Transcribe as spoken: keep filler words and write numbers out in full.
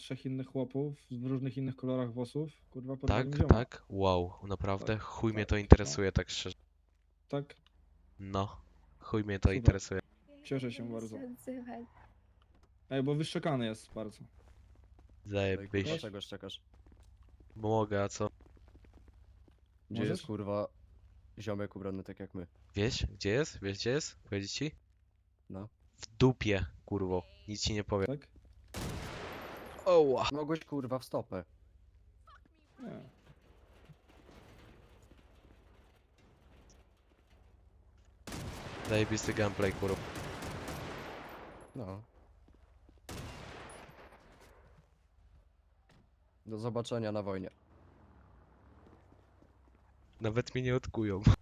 trzech innych chłopów w różnych innych kolorach włosów, kurwa, porwali Tak, mi zioma. tak? Wow, naprawdę? Tak, Chuj mnie tak, to no. interesuje, tak szczerze. Tak, No, chuj mnie to super. interesuje. Cieszę się Będę bardzo. się odzywać. Ej, bo wyszczekany jest bardzo. No i kurwa, Zajebiś. czego czekasz? Mogę, a co? Gdzie Możesz? jest kurwa ziomek ubrany tak jak my? Wiesz, gdzie jest? Wiesz, gdzie jest? Powiedzieć ci? No. W dupie, kurwo. Nic ci nie powiem. Tak? Oła. Mogłeś kurwa w stopę. Nie. Zajebisty gameplay, kurwa. No. Do zobaczenia na wojnie. Nawet mnie nie odkują.